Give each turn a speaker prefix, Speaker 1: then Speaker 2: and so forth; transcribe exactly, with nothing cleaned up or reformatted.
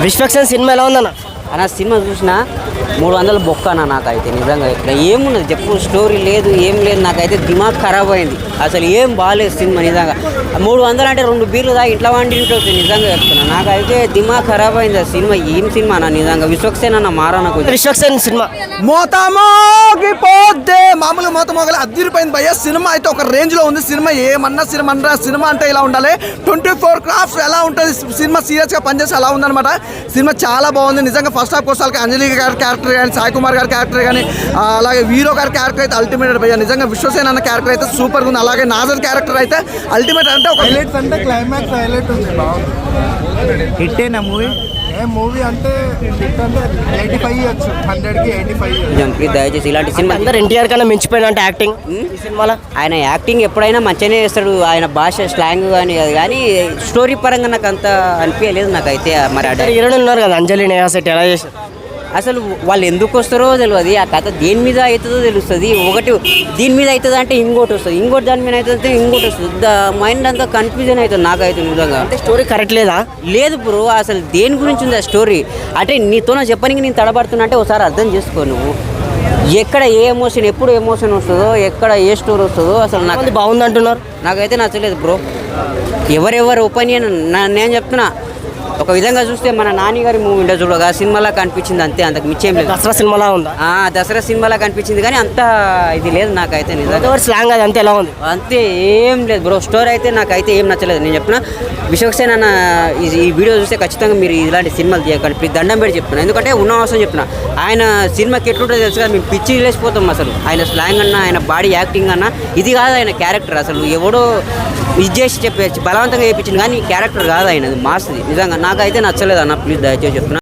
Speaker 1: Vishwaksen cinema ఎలా ఉందన్న?
Speaker 2: అన్న సినిమా చూసినా మూడు వందల బొక్క అన్న. నాకైతే నిజంగా ఇక్కడ ఏమున్నది చెప్పు, స్టోరీ లేదు ఏం లేదు. నాకైతే దిమాగ్ ఖరాబ్ అయింది, అసలు ఏం బాగాలేదు సినిమా నిజంగా. మూడు వందలు అంటే రెండు బీర్లు దా ఇట్లా వండి ఉంటుంది నిజంగా చెప్తున్నా. నాకైతే దిమాగ్ ఖరాబ్ అయింది ఆ సినిమా. ఏం సినిమా అన్న నిజంగా. విశ్వక్సేన్ అన్న మారా నాకు
Speaker 1: విశ్వక్సేన్ సినిమా
Speaker 3: మోతమోగిపోద్దే మామూలుగా మోత మోగలు అద్దరిపోయింది భయ్య. సినిమా అయితే ఒక రేంజ్ లో ఉంది. సినిమా ఏమన్నా సినిమా అన్నా సినిమా అంటే ఇలా ఉండాలి. ట్వంటీ ఫోర్ క్రాఫ్ట్స్ ఎలా ఉంటుంది సినిమా, సీరియస్ గా పనిచేసి అలా ఉందన్నమాట. సినిమా చాలా బాగుంది నిజంగా. ఫస్ట్ హాఫ్ కోసాలకి అంజలి గారి క్యారెక్టర్ కానీ, సాయి కుమార్ గారి క్యారెక్టర్ కానీ, అలాగే వీరో గారి క్యారెక్టర్ అయితే అల్టిమేట్ భయ్య. నిజంగా విశ్వసేన్ అన్న క్యారెక్టర్ అయితే సూపర్ ఉంది. అలాగే నాజర్ క్యారెక్టర్ అయితే అల్టిమేట్. అంటే ఒక
Speaker 4: హైలైట్స్ అంటే క్లైమాక్స్ హైలైట్ ఉంది. బాగుంది.
Speaker 5: హిట్ అయినా మూవీ.
Speaker 4: ఏ మూవీ అంటే హిట్ అంటే ఎయిటీ ఫైవ్ ఇవ్వచ్చు, హండ్రెడ్ కి ఎయిటీ ఫైవ్.
Speaker 2: ప్లీజ్ దయచేసి ఇలాంటి సినిమా
Speaker 1: అందరు ఎన్టీఆర్ కన్నా మించిపోయిన అంటే యాక్టింగ్ ఈ సినిమాలో.
Speaker 2: ఆయన యాక్టింగ్ ఎప్పుడైనా మంచిగానే చేస్తాడు. ఆయన భాష స్లాంగ్ కానీ అది కానీ స్టోరీ పరంగా నాకు అంత అనిపించలేదు నాకైతే. మరి అడ
Speaker 1: హీరోయిన్ ఉన్నారు కదా అంజలి నేహా శెట్టి, ఎలా చేశారు?
Speaker 2: అసలు వాళ్ళు ఎందుకు వస్తారో తెలియదు. ఆ కథ దేని మీద అవుతుందో తెలుస్తుంది. ఒకటి దీని మీద అవుతుంది అంటే ఇంకోటి వస్తుంది, ఇంకోటి దాని మీద అవుతుంది ఇంకోటి వస్తుంది. ద మైండ్ అంతా కన్ఫ్యూజన్ అవుతుంది నాకైతే నిజంగా.
Speaker 1: అంటే స్టోరీ కరెక్ట్ లేదా?
Speaker 2: లేదు బ్రో, అసలు దేని గురించి ఉంది ఆ స్టోరీ. అంటే నీతో చెప్పడానికి నేను తడబడుతున్నా అంటే ఒకసారి అర్థం చేసుకో నువ్వు. ఎక్కడ ఏ ఎమోషన్, ఎప్పుడు ఎమోషన్ వస్తుందో, ఎక్కడ ఏ స్టోరీ వస్తుందో అసలు నాకు
Speaker 1: బాగుంది అంటున్నారు.
Speaker 2: నాకైతే నచ్చలేదు బ్రో. ఎవరెవరి ఒపీనియన్ నేను చెప్తున్నా. ఒక విధంగా చూస్తే మన నాని గారి మూవీ ఉండే చూడగా సినిమాలా కనిపించింది అంతే, అంతకు మించేం లేదు.
Speaker 1: దసరా సినిమాలా ఉందా?
Speaker 2: దసరా సినిమాలా కనిపించింది కానీ అంత ఇది లేదు నాకైతే నిజంగా.
Speaker 1: స్లాంగ్ అది అంతే ఎలా ఉంది?
Speaker 2: అంతే ఏం లేదు బ్రో. స్టోరీ అయితే నాకైతే ఏం నచ్చలేదు. నేను చెప్పిన విశ్వక్సేన్ అన్న ఈ వీడియో చూస్తే ఖచ్చితంగా మీరు ఇలాంటి సినిమాలు చేయకండి ప్లీజ్, దండం పెట్టి చెప్తున్నా. ఎందుకంటే ఉన్న అవసరం చెప్తున్నా. ఆయన సినిమాకి ఎట్లుంటుందో తెలుసు కదా, మేము పిచ్చి లేచిపోతాం అసలు. ఆయన స్లాంగ్ అన్న, ఆయన బాడీ యాక్టింగ్ అన్న ఇది కాదు ఆయన క్యారెక్టర్. అసలు ఎవడో ఇది చేసి చెప్పేసి బలవంతంగా చేయించింది కానీ క్యారెక్టర్ కాదు ఆయనది, మాస్ది నిజంగా. నాకైతే నచ్చలేదు అన్న, ప్లీజ్ దయచేసి చెప్తున్నా.